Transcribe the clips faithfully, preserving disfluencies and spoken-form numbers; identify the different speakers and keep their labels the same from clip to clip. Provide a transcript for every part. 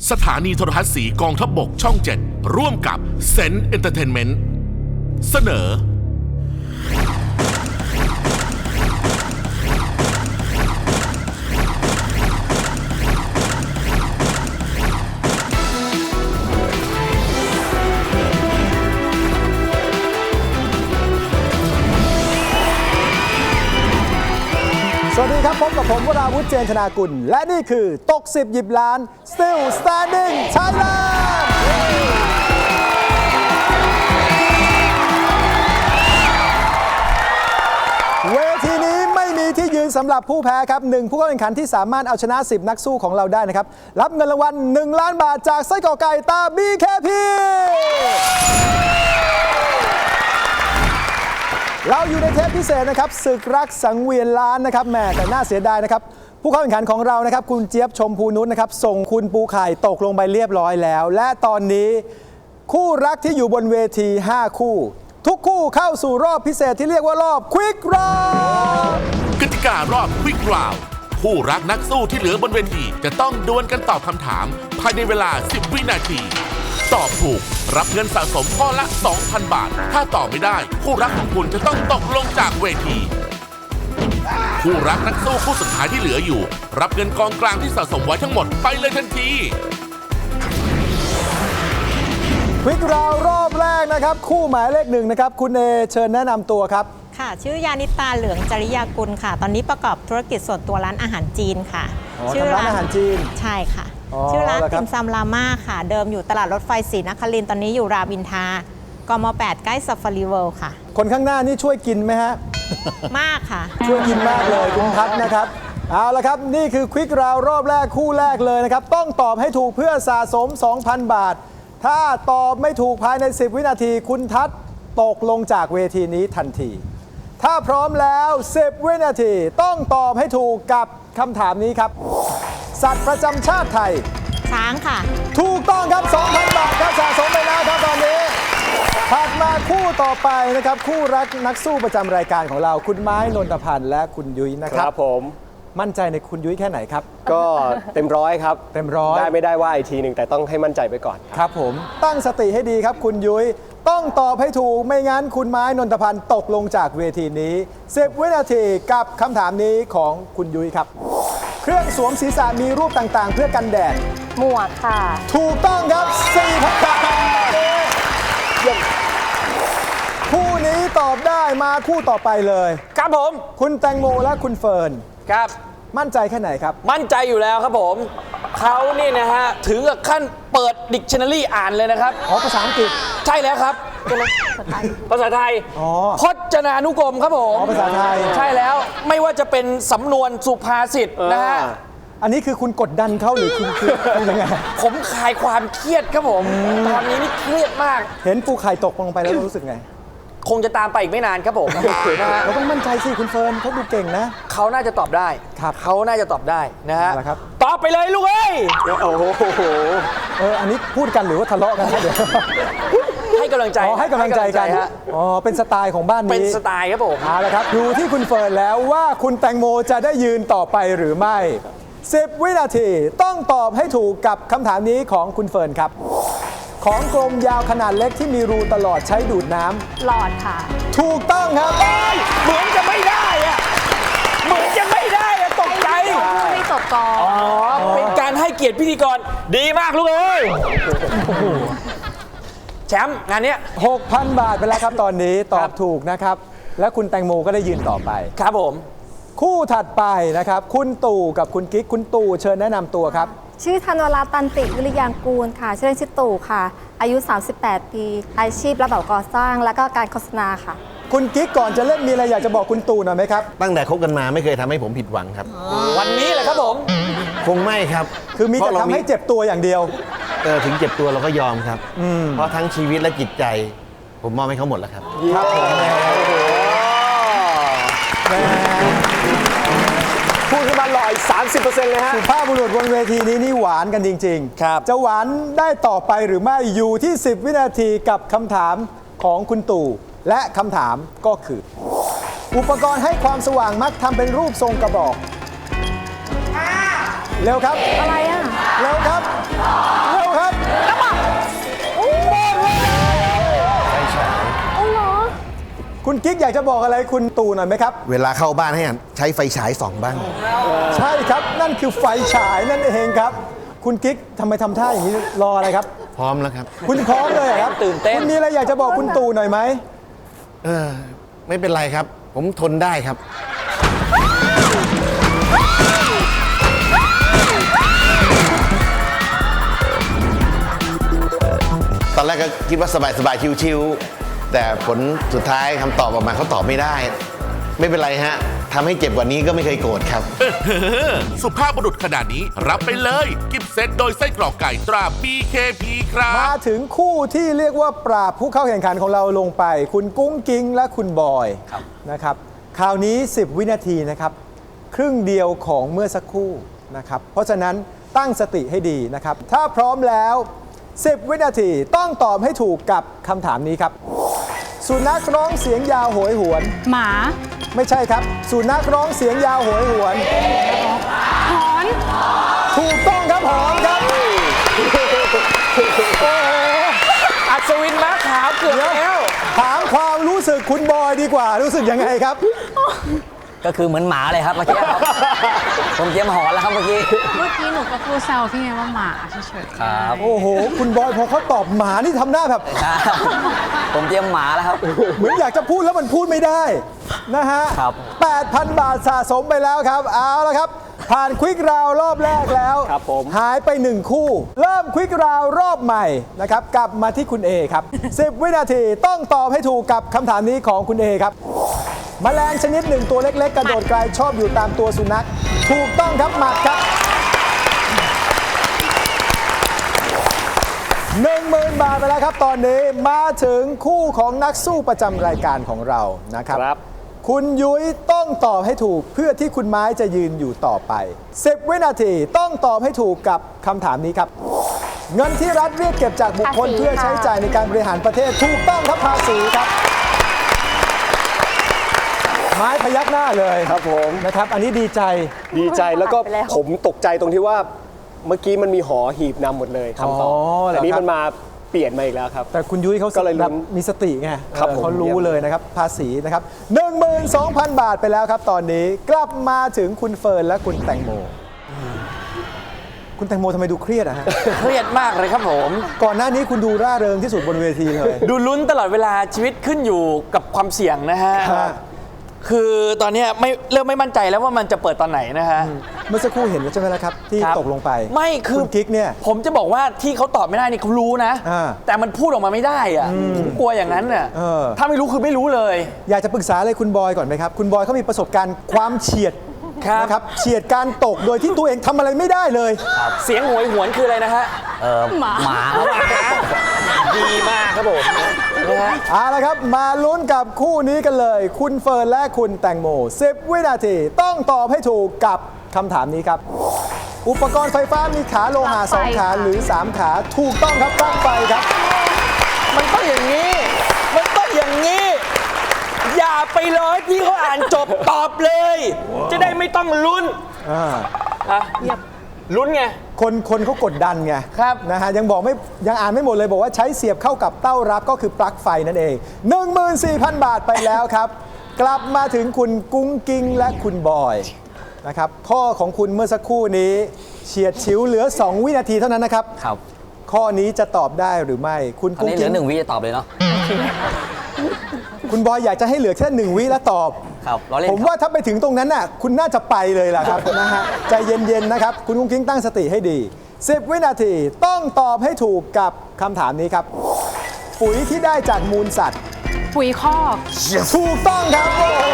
Speaker 1: สถานีโทรทัศน์สีกองทัพบกช่องเจ็ดร่วมกับเซนต์เอนเตอร์เทนเมนต์เสนอ
Speaker 2: สวัสดีครับพบกับผมวราวุฒิ เจนธนากุลและนี่คือตกสิบหยิบล้าน Still Standing Thailand เวทีนี้ไม่มีที่ยืนสำหรับผู้แพ้ครับหนึ่งผู้เข้าแข่งขันที่สามารถเอาชนะสิบนักสู้ของเราได้นะครับรับเงินรางวัลหนึ่งล้านบาทจากไส้กรอกไก่ตา บี เค พี เราอยู่ในเทปพิเศษนะครับศึกรักสังเวียนล้านนะครับแหมแต่น่าเสียดายนะครับผู้เข้าแข่งขันของเรานะครับคุณเจี๊ยบชมพูนุชนะครับส่งคุณปูไข่ตกลงไปเรียบร้อยแล้วและตอนนี้คู่รักที่อยู่บนเวทีห้าคู่ทุกคู่เข้าสู่รอบพิเศษที่เรียกว่ารอบควิกรอบ
Speaker 1: กติการอบควิกราวผู้รักนักสู้ที่เหลือบนเวทีจะต้องดวลกันตอบคำถามภายในเวลาสิบวินาทีตอบถูกรับเงินสะสมข้อละ สองพัน บาทถ้าตอบไม่ได้คู่รักของคุณจะต้องตกลงจากเวทีคู่รักนักสู้คู่สุดท้ายที่เหลืออยู่รับเงินกองกลางที่สะสมไว้ทั้งหมดไปเลยทันที
Speaker 2: ควิกราวรอบแรกนะครับคู่หมายเลขหนึ่งนะครับคุณเอเชิญแนะนำตัวครับ
Speaker 3: ค่ะชื่อยานิตาเหลืองจริยากุลค่ะตอนนี้ประกอบธุรกิจส่วนตัวร้านอาหารจีนค่ะ
Speaker 2: ชื่อร้านอาหารจีน
Speaker 3: ใช่ค่ะชื่อร้านติ่มซำราม่าค่ะเดิมอยู่ตลาดรถไฟศรีนครินทร์ตอนนี้อยู่รามอินทรากมแปดใกล้ซัฟฟารีเวิลด์ค่ะ
Speaker 2: คนข้างหน้านี่ช่วยกินไหมฮะ
Speaker 3: มากค่ะ
Speaker 2: ช่วยกินมากเลยคุณพัฒนะครับเอาละครับนี่คือควิกราวรอบแรกคู่แรกเลยนะครับต้องตอบให้ถูกเพื่อสะสม สองพัน บาทถ้าตอบไม่ถูกภายในสิบวินาทีคุณทัศน์ตกลงจากเวทีนี้ทันทีถ้าพร้อมแล้วสิบวินาทีต้องตอบให้ถูกกับคำถามนี้ครับสัตว์ประจำชาติไทย
Speaker 3: ช้างค่ะ
Speaker 2: ถูกต้องครับ สองพัน บาทครับสะสมไปแล้วครับตอนนี้ถัดมาคู่ต่อไปนะครับคู่รักนักสู้ประจำรายการของเราคุณไม้นนทพันธ์และคุณยุ้ยนะครับ
Speaker 4: ครับผม
Speaker 2: มั่นใจในคุณยุ้ยแค่ไหนครับ
Speaker 4: ก็เต็มร้อยครับ
Speaker 2: เต็มร้อย
Speaker 4: ได้ไม่ได้ว่าอีกทีหนึ่งแต่ต้องให้มั่นใจไปก่อน
Speaker 2: ครับผมตั้งสติให้ดีครับคุณยุ้ยต้องตอบให้ถูกไม่งั้นคุณไม้นนทพันธ์ตกลงจากเวทีนี้สิบวินาทีกับคำถามนี้ของคุณยุ้ยครับเครื่องสวมศีรษะมีรูปต่างๆเพื่อกันแดด
Speaker 3: หมวกค่ะ
Speaker 2: ถูกต้องครับ สี่พัน บาทคู่นี้ตอบได้มาคู่ต่อไปเลย
Speaker 5: ครับผม
Speaker 2: คุณแตงโมและคุณเฟิร์น
Speaker 5: ครับ
Speaker 2: มั่นใจแค่ไหนครับ
Speaker 5: มั่นใจอยู่แล้วครับผมเขานี่นะฮะถึงกับขั้นเปิดดิกชันนารีอ่านเลยนะครับ
Speaker 2: อ๋อภาษาอังกฤษ
Speaker 5: ใช่แล้วครับภาษาไทย
Speaker 2: อ๋อ
Speaker 5: พจนานุกรมครับผม
Speaker 2: อ๋อภาษาไทย
Speaker 5: ใช่แล้วไม่ว่าจะเป็นสำนวนสุภาษิตนะฮะ
Speaker 2: อันนี้คือคุณกดดันเขาหรือคุณคือยังไง
Speaker 5: ผมคลายความเครียดครับผมตอนนี้นี่เครียดมาก
Speaker 2: เห็นปูไข่ตกลงไปแล้วรู้สึกไง
Speaker 5: คงจะตามไปอีกไม่นานครับผมนะฮะ
Speaker 2: เราต้องมั่นใจสิคุณเฟิร์นเขาดูเก่งนะ
Speaker 5: เขาน่าจะตอบได้
Speaker 2: ครับ
Speaker 5: เขาน่าจะตอบได้นะฮะตอบไปเลยลูกเอ้ย
Speaker 4: โอ้โห
Speaker 2: เอออันนี้พูดกันหรือว่าทะเลาะกันเดี๋ยว
Speaker 5: ให้กำลังใจ
Speaker 2: อ๋อให้กำลังใจกันอ๋อเป็นสไตล์ของบ้านนี้
Speaker 5: เป็นสไตล์ครับผม
Speaker 2: เอาละครับอยู่ที่คุณเฟิร์นแล้วว่าคุณแตงโมจะได้ยืนต่อไปหรือไม่สิบวินาทีต้องตอบให้ถูกกับคำถามนี้ของคุณเฟิร์นครับของกลมยาวขนาดเล็กที่มีรูตลอดใช้ดูดน้ำ
Speaker 3: หลอดค่ะ
Speaker 2: ถูกต้องครับ
Speaker 5: เหมือนจะไม่ได้อะเหมือนจะไม่ได้อะตกใจ
Speaker 3: ไม่ตกกอง
Speaker 5: อ๋อเป็นการให้เกียรติพิธีกรดีมากลูกเอ้ยแชมป์งานนี้
Speaker 2: หกพัน บาทไปแล้วครับตอนนี้ตอบถูกนะครับและคุณแตงโมก็ได้ยืนต่อไป
Speaker 5: ครับผม
Speaker 2: คู่ถัดไปนะครับคุณตู่กับคุณกิ๊กคุณตู่เชิญแนะนำตัวครับ
Speaker 6: ชื่อธนวราตันติวิริยางกูลค่ะชื่อเล่นชื่อตู่ค่ะอายุสามสิบแปดปีอาชีพรับเหมาก่อสร้างและก็การโฆษณาค่ะ
Speaker 2: คุณกิ๊กก่อนจะเล่นมีอะไรอยากจะบอกคุณตู่หน่อยไหมครับ
Speaker 7: ตั้งแต่คบกันมาไม่เคยทำให้ผมผิดหวังครับ
Speaker 5: วันนี้แหละครับผม
Speaker 7: คงไม่ครับ
Speaker 2: คือมีแต่ทำให้เจ็บตัวอย่างเดียว
Speaker 7: เออถึงเจ็บตัวเราก็ยอมครับเพราะทั้งชีวิตและจิตใจผมมอบให้เขาหมดแล้วครับ
Speaker 2: ครับผม
Speaker 4: พูดขึ้นมาหล่ออีก สามสิบเปอร์เซ็นต์ เลยฮะ
Speaker 2: สุภาพบุรุษบนเวทีนี้นี่หวานกันจริงๆครับจะหวานได้ต่อไปหรือไม่อยู่ที่สิบวินาทีกับคำถามของคุณตู่และคำถามก็คืออุปกรณ์ให้ความสว่างมักทำเป็นรูปทรงกระบอกเร็วครับ
Speaker 6: อะไรอ่ะ
Speaker 2: เร็วครับคุณกิ๊กอยากจะบอกอะไรคุณตู่หน่อยไหมครับ
Speaker 7: เวลาเข้าบ้านให้ใช้ไฟฉายส่องบ้าง
Speaker 2: ใช่ครับนั่นคือไฟฉายนั่นเองครับ คุณกิ๊กทำไมทำท่าอย่างนี้รออะไรครับ
Speaker 7: พร้อมแล้วครับ
Speaker 2: คุณพร้อมเลยเหรอครับ
Speaker 5: ตื่นเต้น
Speaker 2: คุณมีอะไรอยากจะบอกคุณตู่หน่อยไหม
Speaker 7: เออ ไม่เป็นไรครับ ผมทนได้ครับ ตอนแรกก็คิดว่าสบายๆ ชิวๆ แต่ผลสุดท้ายคำตอบออกมาเขาตอบไม่ได้ ไม่เป็นไรฮะทำให้เจ็บกว่านี้ก็ไม่เคยโกรธครับ
Speaker 1: เออสุภาพบุรุษขนาดนี้รับไปเลย กิฟต์เซตโดยไส้กรอกไก่ตรา บี เค พี ครั
Speaker 2: มา
Speaker 1: บ
Speaker 2: ถึงคู่ที่เรียกว่าปราบผู้เข้าแข่งขันของเราลงไป คุณกุ้งกิ้งและคุณบอยนะครับคราวนี้ สิบ วินาทีนะครับครึ่งเดียวของเมื่อสักครู่นะครับเพราะฉะนั้นตั้งสติให้ดีนะครับถ้าพร้อมแล้ว สิบ วินาทีต้องตอบให้ถูกกับคำถามนี้ครับสุนัขร้องเสียงยาวโหยหวน
Speaker 8: หมา
Speaker 2: ไม่ใช่ครับสุนัขร้องเสียงยาวโหยหวน
Speaker 8: หอน
Speaker 2: ถูกต้องครับหอมครับโอ้โห
Speaker 5: อัศวินม้าขาวเกือบ
Speaker 2: เดี๋ยว
Speaker 5: แล้ว
Speaker 2: ถามความรู้สึกคุณบอยดีกว่ารู้สึกยังไงครับ
Speaker 9: ก็คือเหมือนหมาเลยครับเมื่อกี้ครับ ผมเตรียมหอนแล้วครับเมื่อกี้
Speaker 8: เมื่อกี้หนูก็พูดแซวพี่ไงว่าหมาเฉยๆ
Speaker 9: ครับ
Speaker 2: โอ้โห คุณบอยพอเขาตอบหมานี่ทำหน้าแบบ
Speaker 9: ครับผมเตรียมหมาแล้วครับ
Speaker 2: เหมือนอยากจะพูดแล้วมันพูดไม่ได้นะฮะ
Speaker 9: ครับ
Speaker 2: แปดพัน บาทสะสมไปแล้วครับ เอาละครับ ผ่านควิกราวรอบแรกแล้ว
Speaker 4: ครับผม
Speaker 2: หายไปหนึ่งคู่ เริ่มควิกราวรอบใหม่นะครับ กลับมาที่คุณเอครับ สิบ วินาทีต้องตอบให้ถูกกับคำถามนี้ของคุณเอครับ แมลงชนิดหนึ่งตัวเล็กๆ กระโดดไกลชอบอยู่ตามตัวสุนัข ถูกต้องครับหมัดครับ หนึ่งหมื่น บาทไปแล้วครับตอนนี้มาถึงคู่ของนักสู้ประจำรายการของเรานะครับ
Speaker 4: ครับ
Speaker 2: คุณยุ้ยต้องตอบให้ถูกเพื่อที่คุณไม้จะยืนอยู่ต่อไป สิบ วินาทีต้องตอบให้ถูกกับคำถามนี้ครับ เงินที่รัฐเรียกเก็บจากบุคคล
Speaker 6: ภาษี
Speaker 2: เพื่อใช้
Speaker 6: ค่ะ
Speaker 2: จ่ายในการบริหารประเทศถูกต้องครับภาษีครับ ไม้พยักหน้าเลย
Speaker 4: ครับผม
Speaker 2: นะครับ อันนี้ดีใจ
Speaker 4: ดีใจแล้วก็
Speaker 6: ผ่านไปแล้ว
Speaker 4: ผมตกใจตรงที่ว่าเมื่อกี้มันมีหอหีบนำหมดเลยคำตอบ
Speaker 2: อ๋อเหรอ
Speaker 4: แต่นี้
Speaker 2: ครับ
Speaker 4: มันมาเปลี่ยนมาอีกแล้วครับ
Speaker 2: แต่คุณยุ้ยเขา
Speaker 4: ก็เลยลุ้น
Speaker 2: แบบมีสติไง
Speaker 4: ครับ
Speaker 2: เออ
Speaker 4: ผม
Speaker 2: เขารู้
Speaker 4: เยี่ยม
Speaker 2: เลยนะครับ ภาษีนะครับ หนึ่งหมื่นสองพัน บาทไปแล้วครับตอนนี้กลับมาถึงคุณเฟิร์นและคุณแตงโม คุณแตงโมทำไมดูเครียดอะฮะ
Speaker 5: เครียดมากเลยครับผม
Speaker 2: ก่อนหน้านี้คุณดูร่าเริงที่สุดบนเวทีเลย
Speaker 5: ดูลุ้นตลอดเวลาชีวิตขึ้นอยู่กับความเสี่ยงนะฮะ
Speaker 2: ฮะ
Speaker 5: คือตอนเนี้ยไม่เริ่มไม่มั่นใจแล้วว่ามันจะเปิดตอนไหนนะฮะ
Speaker 2: เมื่อสักครู่เห็นแล้วใช่ไหมล่ะครับ ที่
Speaker 5: ครับ
Speaker 2: ตกลงไป
Speaker 5: ไม่คือ
Speaker 2: คุณกิ๊กเนี่ย
Speaker 5: ผมจะบอกว่าที่เขาตอบไม่ได้นี่เขารู้นะ
Speaker 2: อ่า
Speaker 5: แต่มันพูดออกมาไม่ได้อะผมกลัวอย่างนั้นน่ะ
Speaker 2: เออ
Speaker 5: ถ้าไม่รู้คือไม่รู้เลย
Speaker 2: อยากจะปรึกษาเลยคุณบอยก่อนไหมครับ คุณบอยเขามีประสบการณ์ความเฉียด
Speaker 5: ครับ
Speaker 2: นะครับเฉียดการตกโดยที่ตัวเองทำอะไรไม่ได้เลย
Speaker 5: เสียงโหวยหวนคืออะไรนะฮะ
Speaker 9: เออหมาหมาครับ
Speaker 5: ดีมากครับผมนะฮะ
Speaker 2: เอาละครับมาลุ้นกับคู่นี้กันเลย คุณเฟิร์นและคุณแตงโม สิบ วินาทีต้องตอบให้ถูกกับคำถามนี้ครับ อุปกรณ์ไฟฟ้ามีขาโลหะสองขาหรือ สาม ขาถูกต้องครับปลั๊กไฟครับ
Speaker 5: มันต้องอย่างนี้ มันต้องอย่างนี้ อย่าไปรอให้พี่เขาอ่านจบตอบเลย จะได้ไม่ต้องลุ้น
Speaker 2: อ่า
Speaker 5: อะลุ้นไง
Speaker 2: คนคนเขากดดันไง
Speaker 5: ครับ
Speaker 2: นะฮะยังบอกไม่ยังอ่านไม่หมดเลยบอกว่าใช้เสียบเข้ากับเต้ารับก็คือปลั๊กไฟนั่นเอง หนึ่งหมื่นสี่พัน บาทไปแล้วครับ กลับมาถึงคุณกุ้งกิ้งและคุณบอยนะครับข้อของคุณเมื่อสักครู่นี้เฉียดฉิวเหลือ สอง วินาทีเท่านั้นนะครับ
Speaker 9: ครับ
Speaker 2: ข้อนี้จะตอบได้หรือไม่ คุณ
Speaker 9: อัน
Speaker 2: กุ้ง
Speaker 9: นี้เหลื
Speaker 2: กิ้
Speaker 9: อง หนึ่งวิจะตอบเลยเนาะ
Speaker 2: คุณบอยอยากจะให้เหลือแค่หนึ่งวิแล้วตอบ
Speaker 9: ครับล้อเล่น
Speaker 2: ผม
Speaker 9: ครับ
Speaker 2: ว่าถ้าไปถึงตรงนั้นน่ะคุณน่าจะไปเลยล่ะครับ นะฮะใจเย็นๆนะครับ คุณกุ้งกิ้งตั้งสติให้ดี สิบ วินาทีต้องตอบให้ถูกกับคำถามนี้ครับ ปุ๋ยที่ได้จากมูลสัตว์
Speaker 8: ปุ๋ยคอก
Speaker 2: ถูกต้องครับโอ้โห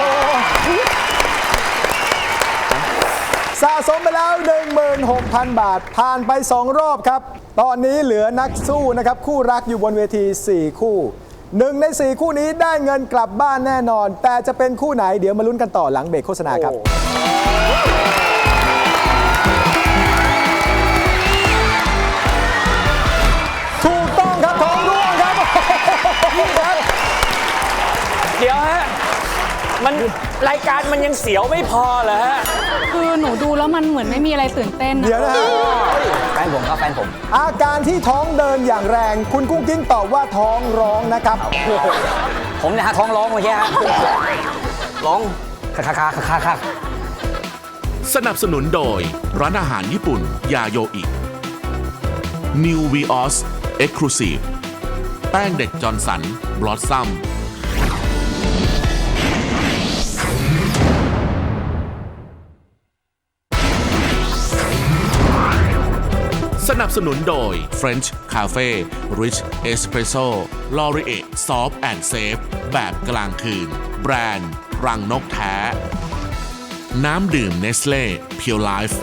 Speaker 2: สะสมไปแล้ว หนึ่งหมื่นหกพัน บาท ผ่านไป สอง รอบครับ ตอนนี้เหลือนักสู้นะครับคู่รักอยู่บนเวที สี่ คู่หนึ่งในสี่คู่นี้ได้เงินกลับบ้านแน่นอน แต่จะเป็นคู่ไหนเดี๋ยวมาลุ้นกันต่อหลังเบรกโฆษณาครับ ถูกต้องครับท้องร่วงครับ
Speaker 5: พี่ครับ เดี๋ยวฮะ มันรายการมันยังเสียวไม่พอเหรอฮะ
Speaker 8: คือหนูดูแล้วมันเหมือนไม่มีอะไรตื่นเต้นนะ
Speaker 2: เดี๋ยวนะฮะ
Speaker 9: แฟนผมครับแฟนผม
Speaker 2: อาการที่ท้องเดินอย่างแรง คุณกุ้งกิ้งตอบว่าท้องร้องนะครับ
Speaker 9: ผผมเนี่ยฮะท้องร้องเมื่อกี้ฮะร้องคาคาคาคาคา
Speaker 1: สนับสนุนโดยร้านอาหารญี่ปุ่นยาโยอิ New Vios Exclusive แป้งเด็กจอร์นสันบลอสซัมสนับสนุนโดย French Cafe Rich Espresso Laurier Soft and Safe แบบกลางคืนแบรนด์รังนกแท้น้ำดื่มเนสเล่เพียวไลฟ์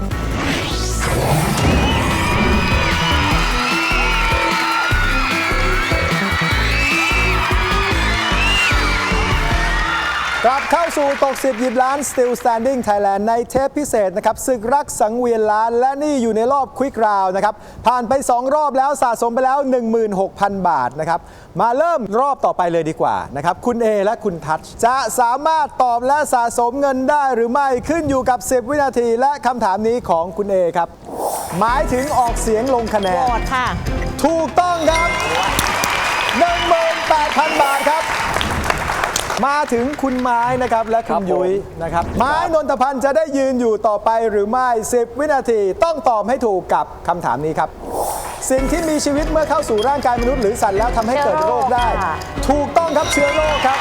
Speaker 2: กลับเข้าสู่ตกสิบหยิบล้าน Still Standing Thailand ในเทปพิเศษนะครับศึกรักสังเวียนล้านและนี่อยู่ในรอบควิกราวนะครับผ่านไปสองรอบแล้วสะสมไปแล้ว หนึ่งหมื่นหกพัน บาทนะครับมาเริ่มรอบต่อไปเลยดีกว่านะครับคุณเอและคุณทัชจะสามารถตอบและสะสมเงินได้หรือไม่ขึ้นอยู่กับสิบวินาทีและคำถามนี้ของคุณเอครับหมายถึงออกเสียงลงคะแนน
Speaker 3: โหวตค่ะ
Speaker 2: ถูกต้องครับ หนึ่งหมื่นแปดพัน บาทครับมาถึงคุณไม้นะครับและคุณยุ้ยนะครับไม้นนทพันธ์จะได้ยืนอยู่ต่อไปหรือไม่สิบวินาทีต้องตอบให้ถูกกับคำถามนี้ครับสิ่งที่มีชีวิตเมื่อเข้าสู่ร่างกายมนุษย์หรือสัตว์แล้วทำให้เกิดโรคได้ ถูกต้องครับเชื้อโรคครับ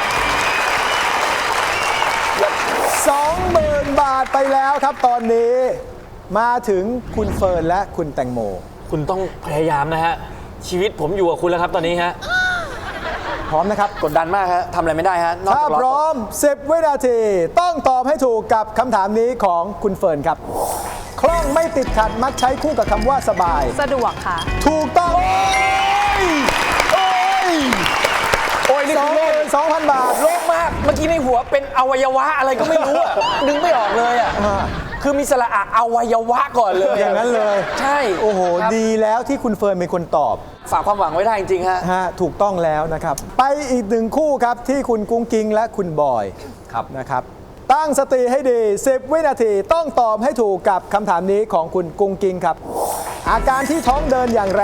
Speaker 2: สองหมื่น บาทไปแล้วครับตอนนี้มาถึงคุณเฟิร์นและคุณแตงโม
Speaker 5: คุณต้องพยายามนะฮะชีวิตผมอยู่กับคุณแล้วครับตอนนี้ฮะ
Speaker 2: พร้อมนะครับ
Speaker 5: กดดันมากฮะทำอะไรไม่ได้ฮะนอก
Speaker 2: ถ้า
Speaker 5: จาก
Speaker 2: พร้อมสิบวินาทีต้องตอบให้ถูกกับคำถามนี้ของคุณเฟิร์นครับคล่องไม่ติดขัดมักใช้คู่กับคำว่าสบาย
Speaker 8: สะดวกค่ะ
Speaker 2: ถูกต้อง โอ้ย โอ้ย
Speaker 5: โอ้ยนี่
Speaker 2: สอ
Speaker 5: คื
Speaker 2: ง
Speaker 5: อ
Speaker 2: ห
Speaker 5: โล
Speaker 2: มื่
Speaker 5: ก
Speaker 2: นสองพันบาท
Speaker 5: โลกมากเมื่อกี้ในหัวเป็นอวัยวะอะไรก็ไม่รู้อะ นึกไม่ออกเลยอะ
Speaker 2: อ่า
Speaker 5: คือมีสระอะอวัยวะก่อนเลย
Speaker 2: อย่างนั้นเลย
Speaker 5: ใช่
Speaker 2: โอ้โห
Speaker 5: ครับ
Speaker 2: ดีแล้วที่คุณเฟิร์นเป็นคนตอบ
Speaker 5: ฝากความหวังไว้ได้จริงๆฮะ
Speaker 2: ฮะถูกต้องแล้วนะครับ ไปอีกหนึ่งคู่ครับที่คุณกุ้งกิ้งและคุณบอยครับนะครับ ตั้งสติให้ดีสิบวินาทีต้องตอบให้ถูกกับคำถามนี้ของคุณกุ้งกิ้งครับ อาการที่ท้องเดินอย่างแรง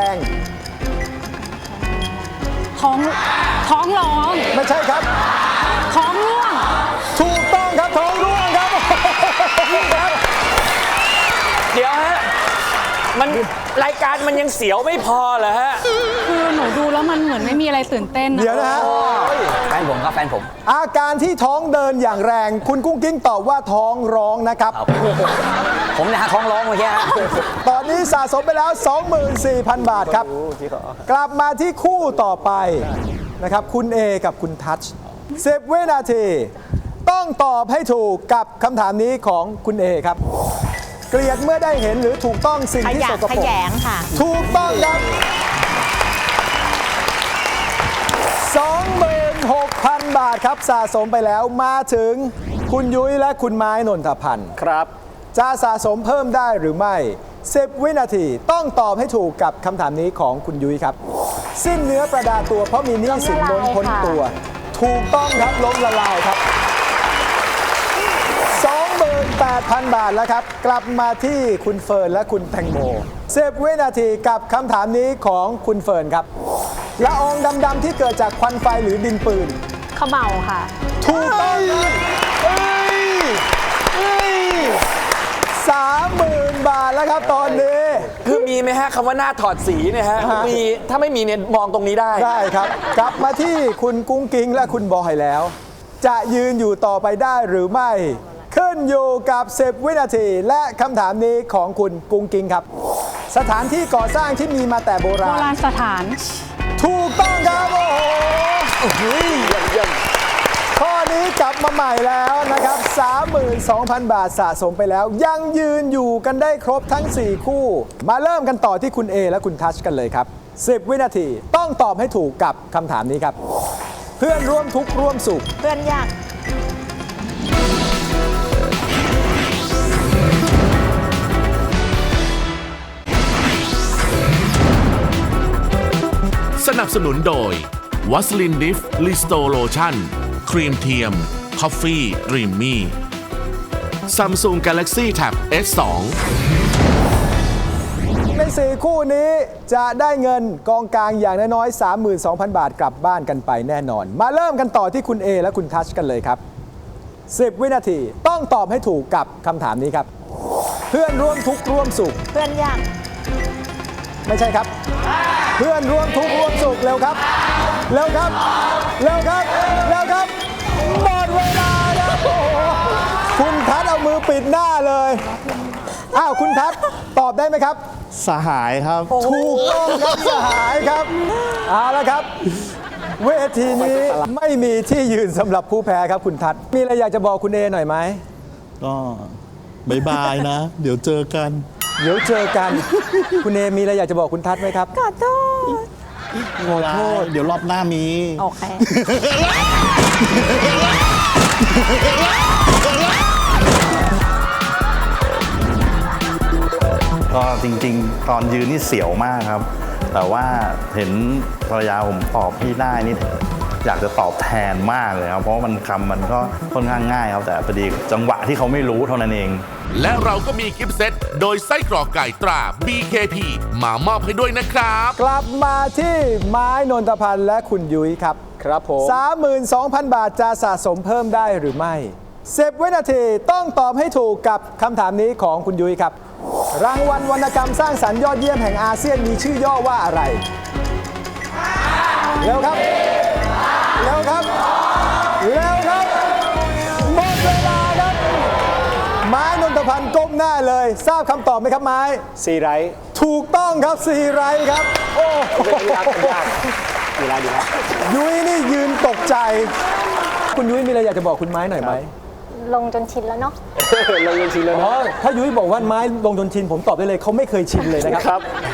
Speaker 8: ท้องท้องร้อง
Speaker 2: ไม่ใช่ครับ
Speaker 8: ท้องร่วง
Speaker 2: ถูกต้องครับท้องร่วงครับ
Speaker 5: เดี๋ยวฮะ มันรายการมันยังเสียวไม่พอเหรอฮะ
Speaker 8: คือหนูดูแล้วมันเหมือนไม่มีอะไรตื่นเต้นนะ
Speaker 2: เดี๋ยวนะฮะ
Speaker 9: แฟนผมครับแฟนผม
Speaker 2: อาการที่ท้องเดินอย่างแรง คุณกุ้งกิ้งตอบว่าท้องร้องนะครับ
Speaker 9: ผมเนี่ยฮะท้องร้องเมื่อกี้ฮะ
Speaker 2: ตอนนี้สะสมไปแล้ว สองหมื่นสี่พัน บาทครับ กลับมาที่คู่ต่อไปนะครับคุณเอกับคุณทัชสิบวินาที ต้องตอบให้ถูกกับคำถามนี้ของคุณเอครับ เกลียดเมื่อได้เห็นหรือถูกต้องสิ่ง
Speaker 3: ข
Speaker 2: ที่
Speaker 3: ยะ
Speaker 2: สก
Speaker 3: ข
Speaker 2: ปรก
Speaker 3: ยงค่ะ
Speaker 2: ถูกต้องครับ สองหมื่นหกพัน บาทครับสะสมไปแล้วมาถึงคุณยุ้ยและคุณไม้นนทพันธ์
Speaker 4: ครับ
Speaker 2: จะสะสมเพิ่มได้หรือไม่สิบวินาทีต้องตอบให้ถูกกับคำถามนี้ของคุณยุ้ยครับ สิ้นเนื้อประดาตัวเพราะมีหนี้สินล้นพ้นตัว ถูกต้องครับล้มละลายครับ สองหมื่นแปดพัน บาทแล้วครับ กลับมาที่คุณเฟิร์นและคุณแตงโมสิบวินาทีกับคำถามนี้ของคุณเฟิร์นครับละอองดำๆที่เกิดจากควันไฟหรือดินปืน
Speaker 8: ขมเหลาค่ะ
Speaker 2: ถูกต้องครับเอ้ยเอ้ยสามหมื่นบาทแล้วครับตอนนี้
Speaker 5: คือมีไหมฮะคำว่าหน้าถอดสีเนี่ยฮะ
Speaker 2: ฮะ
Speaker 5: มีถ้าไม่มีเนี่ยมองตรงนี้ได้
Speaker 2: ได้ครับ กลับมาที่คุณกุ้งกิ้งและคุณบอยแล้ว จะยืนอยู่ต่อไปได้หรือไม่ ขึ้นอยู่กับสิบวินาที และคำถามนี้ของคุณกุ้งกิ้งครับ สถานที่ก่อสร้างที่มีมาแต่โบ
Speaker 8: โบ
Speaker 2: ราณ
Speaker 8: ราณสถาน
Speaker 2: ถูกต้องครับ โอ้โหข้อนี้กลับมาใหม่แล้วนะครับ สามหมื่นสองพัน บาทสะสมไปแล้ว ยังยืนอยู่กันได้ครบทั้ง สี่ คู่ มาเริ่มกันต่อที่คุณเอและคุณทัชกันเลยครับ สิบ วินาทีต้องตอบให้ถูกกับคำถามนี้ครับ เพื่อนร่วมทุกข์ร่วมสุข
Speaker 3: เพื่อนยาก
Speaker 1: สนับสนุนโดยวัสลินดิฟลิสโตโลชั่นครีมเทียมคอฟฟี่ดรีมมี่ Samsung Galaxy Tab เอส ทู
Speaker 2: ในสี่ คู่นี้จะได้เงินกองกลางอย่างน้อยๆ สามหมื่นสองพัน บาทกลับบ้านกันไปแน่นอน มาเริ่มกันต่อที่คุณ เอ และคุณทัชกันเลยครับ สิบ วินาทีต้องตอบให้ถูกกับคำถามนี้ครับ เพื่อนร่วมทุกข์ร่วมสุข
Speaker 3: เพื่อนยาก
Speaker 2: ไม่ใช่ครับ เพื่อนร่วมทุกข์ร่วมสุขเร็วครับ เร็วครับ เร็วครับ เร็วครับ หมดเวลาครับโอ้โหคุณทัศน์เอามือปิดหน้าเลย อ้าวคุณทัศน์ตอบได้ไหมครับ
Speaker 10: สหายครับ
Speaker 2: ถูกต้องครับสหายครับ เอาละครับ เวทีนี้ไม่มีที่ยืนสำหรับผู้แพ้ครับคุณทัศน์มีอะไรอยากจะบอกคุณเอหน่อยไหม
Speaker 10: ก็บายบายนะ เดี๋ยวเจอกัน
Speaker 2: เดี๋ยวเจอกัน คุณเอมีอะไรอยากจะบอกคุณทัศน์ไหมครับ
Speaker 3: ขอโทษ
Speaker 2: ขอโทษ
Speaker 10: เดี๋ยวรอบหน้ามี
Speaker 3: โอเค
Speaker 10: ก็จริงๆ ตอนยืนนี่เสียวมากครับ แต่ว่าเห็นภรรยาผมตอบพี่ได้นี่อยากจะตอบแทนมากเลยครับ เพราะว่ามันคำมันก็ค่อนข้างง่ายครับ แต่พอดีจังหวะที่เขาไม่รู้เท่านั้นเอง
Speaker 1: และเราก็มีกิฟต์เซตโดยไส้กรอกไก่ตรา บี เค พี มามอบให้ด้วยนะครับ
Speaker 2: กลับมาที่ไม้นนทพันธ์และคุณยุ้ยครับ
Speaker 4: ครับผม
Speaker 2: สามหมื่นสองพัน บาทจะสะสมเพิ่มได้หรือไม่สิบ วินาทีต้องตอบให้ถูกกับคำถามนี้ของคุณยุ้ยครับ รางวัลวรรณกรรมสร้างสรรค์ยอดเยี่ยมแห่งอาเซียนมีชื่อย่อว่าอะไร เร็วครับ เร็วครับ เร็วครับ หมดเวลาครับ ไม้นนทพันธ์ก้มหน้าเลย ทราบคำตอบไหมครับไม้
Speaker 4: ซีไรท์
Speaker 2: ถูกต้องครับซีไรท์ครับ โอ้โห
Speaker 4: เป็นยากเป็นยากดีแล้วดีแล้ว
Speaker 2: ยุ้ยนี่ยืนตกใจ คุณยุ้ยมีอะไรอยากจะบอกคุณไม้หน่อยไหม
Speaker 6: ลงจนชินแล้วเนาะ
Speaker 4: เราเรียนชินแล้ว
Speaker 2: อ๋อ
Speaker 4: นะ
Speaker 2: ถ้ายุ้ยบอกว่าไม้ลงจนชินผมตอบได้เลยเขาไม่เคยชินเลยนะครับ
Speaker 4: ครับ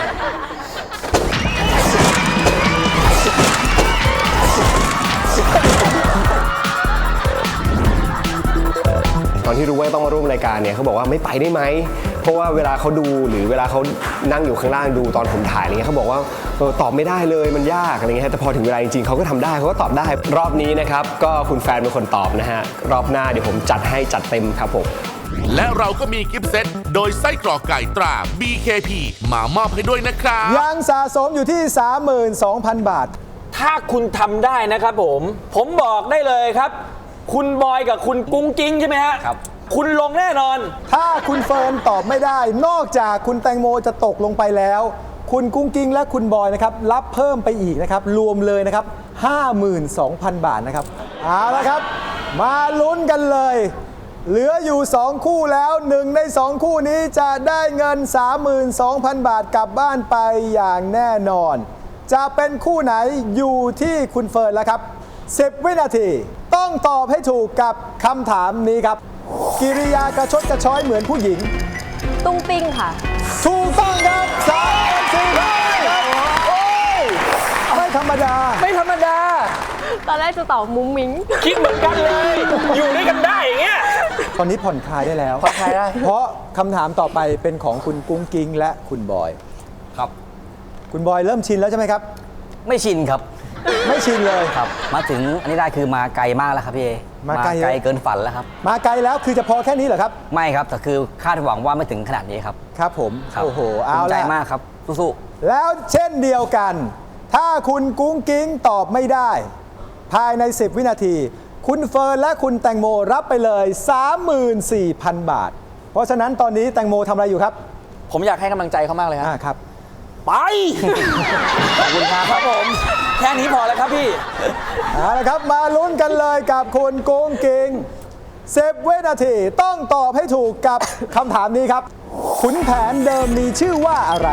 Speaker 4: ตอนที่รู้ว่าต้องมาร่วมรายการเนี่ยเขาบอกว่าไม่ไปได้ไหม เพราะว่าเวลาเขาดูหรือเวลาเขานั่งอยู่ข้างล่างดูตอนผมถ่ายอะไรเงี้ยเขาบอกว่าเออตอบไม่ได้เลยมันยากอะไรเงี้ยแต่พอถึงเวลาจริงๆเขาก็ทำได้เขาก็ตอบได้รอบนี้นะครับก็คุณแฟนเป็นคนตอบนะฮะรอบหน้าเดี๋ยวผมจัดให้จัดเต็มครับผม
Speaker 1: และเราก็มีกิฟต์เซตโดยไส้กรอกไก่ตรา บี เค พี มามอบให้ด้วยนะครับ
Speaker 2: ยังสะสมอยู่ที่ สามหมื่นสองพัน บาท
Speaker 5: ถ้าคุณทำได้นะครับผม ผมบอกได้เลยครับ คุณบอยกับคุณกุ้งกิ้งใช่ไหมฮะ
Speaker 9: ครับ
Speaker 5: คุณลงแน่นอน
Speaker 2: ถ้าคุณเฟิร์นตอบไม่ได้ นอกจากคุณแตงโมจะตกลงไปแล้ว คุณกุ้งกิ้งและคุณบอยนะครับรับเพิ่มไปอีกนะครับรวมเลยนะครับ ห้าหมื่นสองพัน บาทนะครับเอาละครับ มาลุ้นกันเลย เหลืออยู่ สอง คู่แล้วหนึ่งใน สอง คู่นี้จะได้เงิน สามหมื่นสองพัน บาทกลับบ้านไปอย่างแน่นอน จะเป็นคู่ไหนอยู่ที่คุณเฟิร์นแล้วครับสิบ วินาทีต้องตอบให้ถูกกับคำถามนี้ครับ กิริยากระชดกระช้อยเหมือนผู้หญิง
Speaker 6: ตุ้งติ้งค่ะ
Speaker 2: ถูกต้องครับสามสี่ครับโอ้ยไม่ธรรมดา
Speaker 5: ไม่ธรรมดา
Speaker 6: ตอนแรกจะตอบมุ้งมิ้ง
Speaker 5: คิดเหมือนกันเลย อยู่ด้วยกันได้อย่างเงี้ย
Speaker 2: ตอนนี้ผ่อนคลายได้แล้ว
Speaker 5: ผ่อนคลายได้
Speaker 2: เพราะคำถามต่อไปเป็นของคุณกุ้งกิ้งและคุณบอย
Speaker 9: ครับ
Speaker 2: คุณบอยเริ่มชินแล้วใช่ไหมครับ
Speaker 9: ไม่ชินครับ
Speaker 2: ไม่ชินเลย
Speaker 9: ครับ มาถึงอันนี้ได้คือมาไกลมากแล้วครับพี่เอ
Speaker 2: มาไกล
Speaker 9: เกินฝันแล้วครับ
Speaker 2: มาไกลแล้วคือจะพอแค่นี้เหรอครับ
Speaker 9: ไม่ครับ แต่คือคาดหวังว่าไม่ถึงขนาดนี้ครับ
Speaker 2: ครับผม
Speaker 9: ครับ
Speaker 2: โอ้โห เอา
Speaker 9: ภูมิใจ
Speaker 2: ละ
Speaker 9: มากครับ สู้
Speaker 2: แล้วเช่นเดียวกัน ถ้าคุณกุ้งกิ้งตอบไม่ได้ ภายใน สิบ วินาที คุณเฟิร์นและคุณแตงโมรับไปเลย สามหมื่นสี่พัน บาท เพราะฉะนั้นตอนนี้แตงโมทำอะไรอยู่ครับ
Speaker 5: ผมอยากให้กำลังใจเขามากเลยครับ
Speaker 2: อ่าครับ
Speaker 5: ไป ขอบคุณครับครับผม แค่นี้พอแล้วครับพี่
Speaker 2: เอาละครับมาลุ้นกันเลยกับคุณกุ้งกิ้งสิบ วินาทีต้องตอบให้ถูกกับคำถามนี้ครับ ขุนแผนเดิมมีชื่อว่าอะไร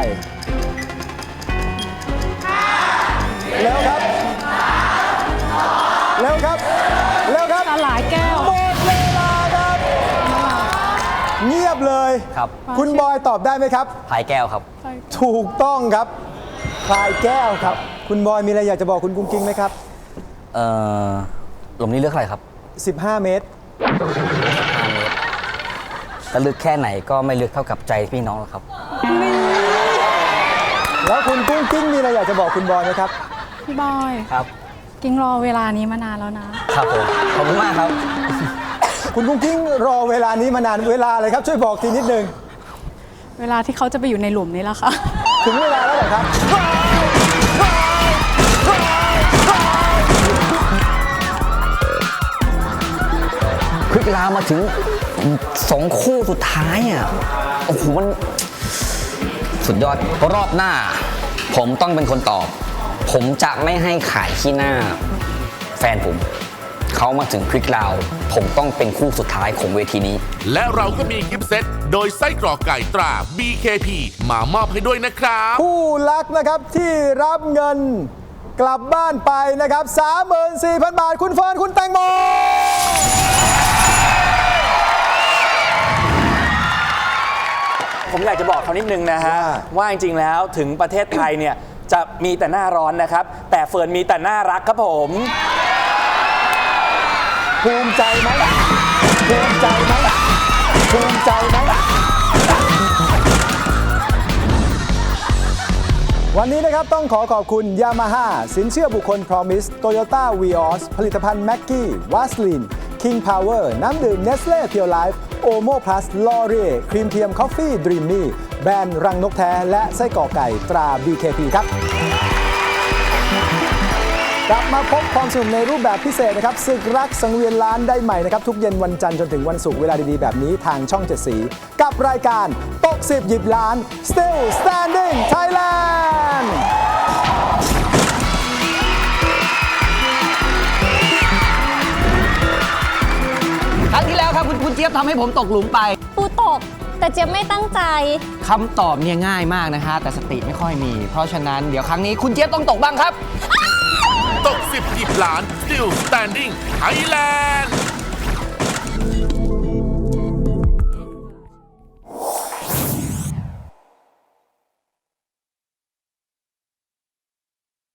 Speaker 2: เร็วครับเร็วครับเร็วครับ
Speaker 8: สลายแก้ว
Speaker 2: หมดเวลาครับ เงียบเลย
Speaker 9: ครับ
Speaker 2: คุณบอยตอบได้ไหมครับ
Speaker 9: ๆพายแก้วครับ
Speaker 2: ถูกต้องครับพลายแก้วครับ คุณบอยมีอะไรอยากจะบอกคุณกุ้งกิ้งไหมครับ
Speaker 9: เอ่อหลุมนี้เลือกอะไรครับ
Speaker 2: สิบห้า เมตร
Speaker 9: ห้าเมตรแต่ลึกแค่ไหนก็ไม่ลึกเท่ากับใจพี่น้องหรอกครับ
Speaker 2: แล้วคุณกุ้งกิ้งมีอะไรอยากจะบอกคุณบอยไหมครับ
Speaker 8: พี่บอย
Speaker 9: ครับ
Speaker 8: กิ้งรอเวลานี้มานานแล้วนะ
Speaker 9: ครับผม ขอบคุณมากครับ
Speaker 2: คุณกุ้งกิ้งรอเวลานี้มานานเวลาอะไรครับ ช่วยบอกทีนิดนึง
Speaker 8: เวลาที่เขาจะไปอยู่ในหลุมนี้แล้วค่ะ
Speaker 2: ถึงเวลาแล้วเหรอครับ
Speaker 9: ควิกลาวมาถึงสองคู่สุดท้ายอ่ะโอ้โหมันสุดยอดรอบหน้า ผมต้องเป็นคนตอบ ผมจะไม่ให้ขายขี้หน้าแฟนผม เขามาถึงควิกลาวผมต้องเป็นคู่สุดท้ายของเวทีนี้
Speaker 1: และเราก็มีกิฟต์เซตโดยไส้กรอกไก่ตรา บี เค พี มามอบให้ด้วยนะครับ
Speaker 2: ผู้รักนะครับที่รับเงินกลับบ้านไปนะครับ สามหมื่นสี่พัน บาท คุณเฟิร์นคุณแตงโม
Speaker 5: ผมอยากจะบอกเขานิดนึงนะฮะ ว่าจริงๆแล้วถึงประเทศไทยเนี่ยจะมีแต่หน้าร้อนนะครับ แต่เฟิร์นมีแต่น่ารักครับผม
Speaker 2: ภูมิใจไหมภูมิใจไหมภูมิใจไหมวันนี้นะครับต้องขอขอบคุณ Yamaha สินเชื่อบุคคล Promise Toyota Vios ผลิตภัณฑ์ Maggi Vaseline King Power น้ำดื่ม Nestle Pure Life Omo Plus L'Oreal ครีมเทียม Coffee Dreamy แบรนด์รังนกแท้และไส้กรอกไก่ตรา บี เค พี ครับ กลับมาพบความสนุกในรูปแบบพิเศษนะครับศึกรักสังเวียนล้านได้ใหม่นะครับทุกเย็นวันจันทร์จนถึงวันศุกร์เวลาดีๆแบบนี้ทางช่องเจ็ดสีกับรายการตกสิบหยิบล้าน Still Standing Thailand
Speaker 9: ครั้งที่แล้วครับคุณคุณเจี๊ยบทำให้ผมตกหลุมไป
Speaker 6: ปูตก แต่เจี๊ยบไม่ตั้งใจ
Speaker 9: คำตอบเนี่ยง่ายมากนะฮะแต่สติไม่ค่อยมี เพราะฉะนั้นเดี๋ยวครั้งนี้คุณเจี๊ยบต้องตกบ้างครับ
Speaker 1: ตกสิบหยิบล้าน Still Standing Thailand